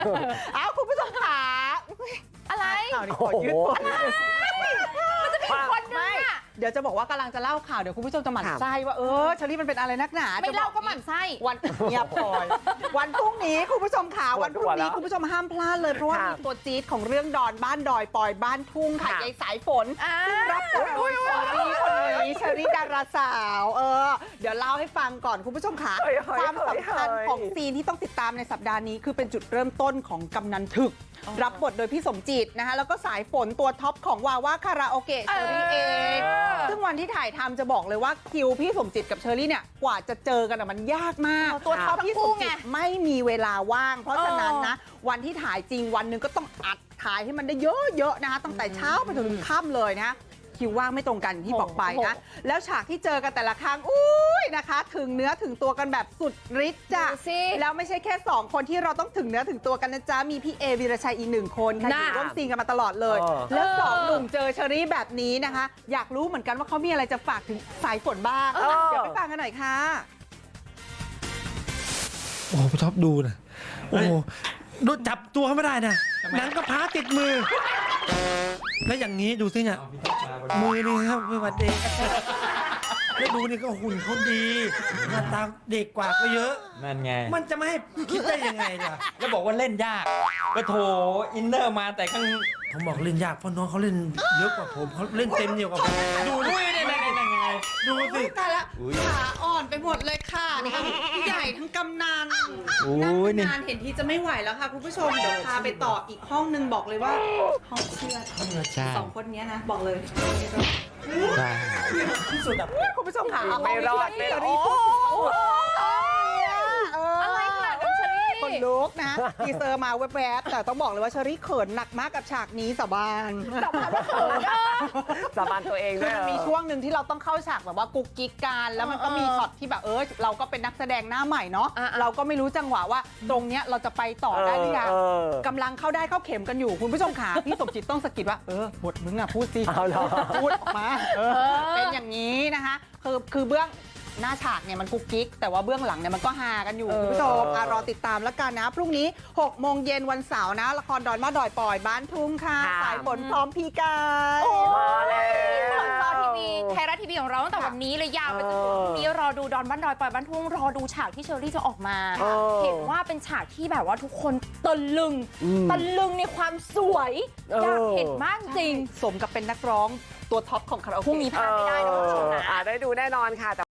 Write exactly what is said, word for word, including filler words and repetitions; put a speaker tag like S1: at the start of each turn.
S1: เอาคุณผู้ชมขาอะไรข่าวนี้ขอยืดก่อนมันจะมีคนนึงอ่ะเดี๋ยวจะบอกว่ากำลังจะเล่าข่าวเดี๋ยวคุณผู้ชมจะหมั่นไส้ว่าเออเชอรี่มันเป็นอะไรนักหนาไม่เล่าก็หมั่นไส้วันเงียบพอยวันพรุ่งนี้คุณผู้ชมขาวันพรุ่งนี้คุณผู้ชมห้ามพลาดเลยเพราะว่ามีตัวจี๊ดของเรื่องดอนบ้านดอยปอยบ้านทุ่งค่ะยายสายฝนซึ่งรับบทโดยเชอรี่คนนี้เชอรี่ดาราสาวเออเดี๋ยวเล่าให้ฟังก่อนคุณผู้ชมขาความสำคัญของซีนที่ต้องติดตามในสัปดาห์นี้คือเป็นจุดเริ่มต้นของกำนันถึกรับบทโดยพี่สมจิตนะคะแล้วก็สายฝนตัวท็อปของวาว่าคาราโอเกะเชอรี่เองซึ่งวันที่ถ่ายทำจะบอกเลยว่าคิวพี่สมจิตกับเชอรี่เนี่ยกว่าจะเจอกันมันยากมากตัวท็อปพี่สมจิตไม่มีเวลาว่างเพราะฉะนั้นนะวันที่ถ่ายจริงวันหนึ่งก็ต้องอัดถ่ายให้มันได้เยอะๆนะคะตั้งแต่เช้าไปจนถึงค่ำเลยนะคิวว่างไม่ตรงกันที่บอกไปนะแล้วฉากที่เจอกันแต่ละครั้งอุ้ยนะคะถึงเนื้อถึงตัวกันแบบสุดฤทธิ์จ้ะแล้วไม่ใช่แค่สองคนที่เราต้องถึงเนื้อถึงตัวกันนะจ๊ะมีพี่เอวีรชัยอีกหนึ่งคนค่ะอยู่ร่วมซีนกันมาตลอดเลยแล้วสองหนุ่มเจอเชอรี่แบบนี้นะคะอยากรู้เหมือนกันว่าเขามีอะไรจะฝากถึงสายฝนบ้างเดี๋ยวไปฟังกันหน่อยค่ะ
S2: โอ้โหพี่ท็อปดูนะโอ้โหดูจับตัวเขาไม่ได้นะหนังกระพร้าติดมือแล้วอย่างนี้ดูสิเนี่ยมือนี่ครับมือวันเด็กแล้วดูนี่ก็หุ่นเขาดีหน้าตาเด็กกว่าก็เยอะ
S3: นั่นไง
S2: มันจะไม่ให้คิดได้ยังไงล่ะ
S3: แล้วบอกว่าเล่นยากก็โถอินเนอร์มาแต่ข้าง
S2: ผมบอกเล่นยากเพราะน้องเขาเล่นเยอะกว่าผมเขาเล่นเต็มเหนียวกว่าผมดูดิ
S3: อุ้ยนี่นี่นี่ไง
S2: ดูสิ
S1: ตายละขาอ่อนไปหมดเลยค่ะทั้งผู้ใหญ่ทั้งกำนัน
S3: โอ้
S1: นั่ง
S3: ยนี่
S1: นานเห็นทีจะไม่ไหวแล้วค่ะคุณผู้ชมเดี๋ยวพาไปต่ออีกห้องนึงบอกเลยว่าห้องเชื่อด
S3: ใช่
S1: สองคนนี้นะบอกเลย
S3: ใช่
S2: ที่สุดอ่ะ
S1: คุณผู้ชมค่ะ
S4: ไม่รอดไม่รอด
S1: โอ้โหอะไรขนาดนั้นเชอรี่คนลุกนะทีเซอร์มาแวบๆแต่ต้องบอกเลยว่าเชอรี่เขินหนักมากกับฉากนี้สาบานสาบานว่าเขิน
S4: สาบานตัวเอง
S1: คื
S4: ด้
S1: อ
S4: วย
S1: มันมีช่วงหนึ่งที่เราต้องเข้าฉากแบบว่ากุ๊กกิ๊กกันแล้วมันก็มีช็อตที่แบบเออเราก็เป็นนักแสดงหน้าใหม่เนาะเราก็ไม่รู้จังหวะว่าตรงเนี้ยเราจะไปต่อได้หรือยังกำลังเข้าได้เข้าเข็มกันอยู่คุณผู้ชมขาพี่สมจิตต้องสะกิดว่าเออบทมึงอ่ะพูดสิพูดออกมาเออเป็นอย่างนี้นะคะคือคือเบื้องหน้าฉากเนี่ยมันกุ๊กกิ๊กแต่ว่าเบื้องหลังเนี่ยมันก็ฮากันอยู่คุณผู้ชมอ่ะรอติดตามแล้วกันนะพรุ่งนี้หกโมงเย็นวันเสาร์นะละครดอนมาดอยปอยบ้านทุ่งค่ะสายฝนพร้อมพี่กาย
S4: มาแล้ว
S5: จอทีวีไทยรัฐทีวีของเราตั้งแต่วันนี้เลยยาวไปจนถึงพรุ่งนี้รอดูดอนบ้านดอยปอยบ้านทุ่งรอดูฉากที่เชอรี่จะออกมา เห็นว่าเป็นฉากที่แบบว่าทุกคนตะลึงตะลึงในความสวยอยากเห็นมากจริง
S1: สมกับเป็นนักร้องตัวท็อปของคาราโอเกะ
S5: พรุ่งนี้พลาดไม่ได้นะคุณผู้ชมนะ
S4: อ่าได้ดูแน่นอนค่ะ